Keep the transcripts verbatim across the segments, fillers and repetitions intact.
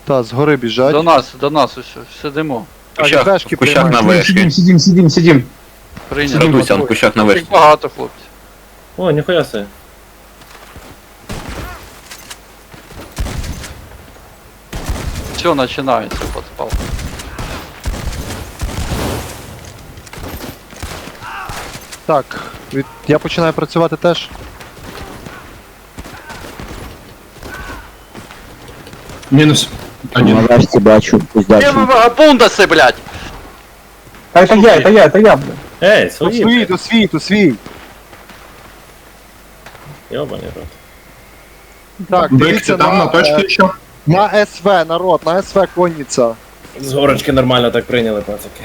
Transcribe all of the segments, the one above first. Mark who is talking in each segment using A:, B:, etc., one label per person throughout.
A: Та, згори біжать.
B: До нас, до нас ось сидимо.
A: Так,
C: кущах,
A: бешки
C: в кущах на
A: приймають.
C: вишки.
D: Сидим, сидим, сидим, сидим.
B: Прийняли.
C: Радуйся, в кущах на
B: Їх
C: вишки.
B: багато, хлопці.
E: О, ніхуя себе.
B: Все починається, подпал.
A: Так, від... я починаю працювати теж.
D: Минус. Один.
F: Малашці бачу, пусть далі.
B: Де ви вагабундаси, блядь?
D: А это я, это я, это я, бля.
E: Ей,
A: То
E: свої,
A: свій,
E: блядь.
A: то свій, то свій.
E: Йобаний рот.
A: Так,
D: Бэк,
A: дивіться
D: ты там на точке
A: е,
D: еще?
A: на СВ, народ, на СВ конниця.
E: З горочки нормально так прийняли, пацаки.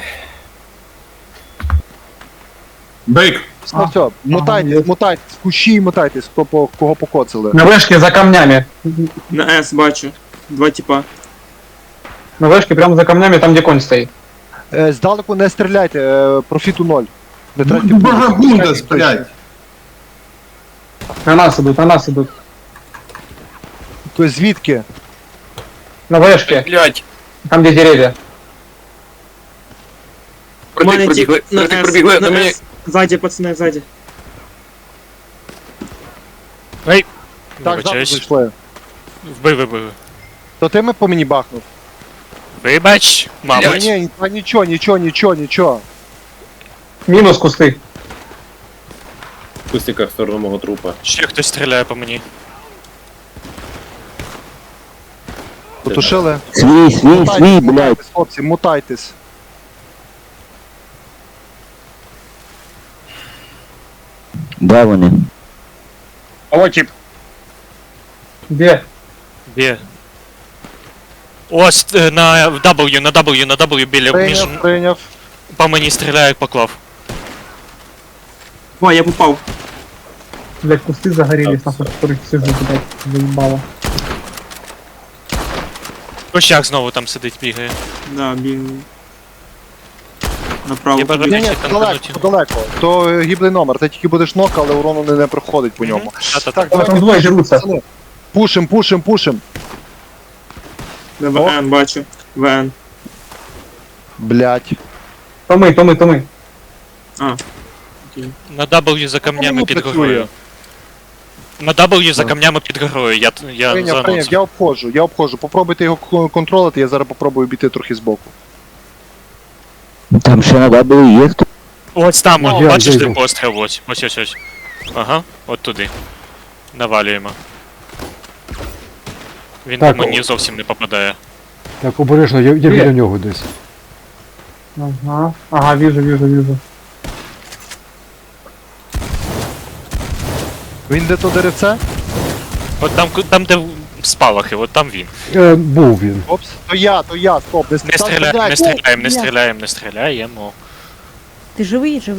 D: Бейк.
A: Ну все, мутайтесь, мутайтесь, кущі мутайтесь, хто по кого покоцали.
D: На вышке за камнями.
G: На С бачу. Два типа.
D: На вышке прямо за камнями, там где конь стоит.
A: Е, здалеку не стріляйте, е, профіту ноль. Не тратьте
D: Ну,
A: пулі,
D: Багабундас,
A: стріляйте
D: блядь.
A: точно.
D: На нас идут, на нас идут.
A: То есть звідки?
D: На вышке,
C: Блять,
D: там где деревья.
C: протик
G: Мене
C: пробігли,
G: тип на
C: протик
G: С,
C: пробігли,
G: на
C: на мені.
G: С. Ззаді, пацани, ззаді.
A: Так, завтра
H: Вибачаюсь.
A: зайшли.
H: Вбив, вибив.
A: То ти ми по мені бахнув?
H: Вибач,
A: Ні,
H: мабуть.
A: ні, та нічого, нічого, нічого, нічого.
D: Минус кусты.
E: В кустиках в сторону мого трупа.
H: Ще хтось стріляє по мені.
A: Потушили.
F: Свій, свій, свій,
A: Мутайтесь,
F: блядь.
A: мутайтесь, хлопці, мутайтесь.
F: Де вони?
D: О, тип. Где?
H: Де? Ось е, на W, на W, на W біля між...
A: Прийняв, прийняв.
H: По мені стріляє, як поклав.
G: О, я попав.
D: Блядь, кусты загорелись, нахуй, которых сижу, блядь, заебало.
H: Кощак знову там сидить, бігає.
G: Да, бігаю. Направо.
H: Я бажаю
A: Ні, ні,
H: більше
A: далеко,
H: танкануть.
A: далеко. То е, гіблий номер, ти тільки будеш нок, але урону не, не проходить по ньому.
H: Та-та-та.
A: Так,
D: А там
A: давайте
D: двое дерутся.
A: пацани. Пушим, пушим, пушим.
G: Да, ВН бачу. ВН.
A: Блять.
D: То мы, то мы, то мы.
G: А. Окей.
H: На W за камнями
A: Воно
H: під
A: працює.
H: горою. На W за камнями під горою, я, я
A: Прийняв,
H: за
A: прийняв,
H: анонсом.
A: я обходжу, я обходжу. Попробуйте його к- контролити, я зараз попробую обійти трохи збоку.
F: Там ще на W є хто?
H: Ось там,
D: Ну,
H: о,
D: я
H: бачиш, де
D: зайду.
H: постріл, ось, ось, ось, ось. Ага, от туди. Навалюємо. Він
I: Так,
H: по мені зовсім не попадає.
I: Так, обережно, я, я
D: Є.
I: біля нього десь.
D: Ага, ага, вижу, вижу, вижу.
A: Він де то деревце?
H: От там, ку- там де спалахи, от там він.
I: Е, був він.
A: Опс. То я, то я, стоп, не
H: Не
A: там
H: стріляємо, не
A: стріляйте.
H: стріляємо, не стріляємо, не стріляємо.
J: Ти живий, живий.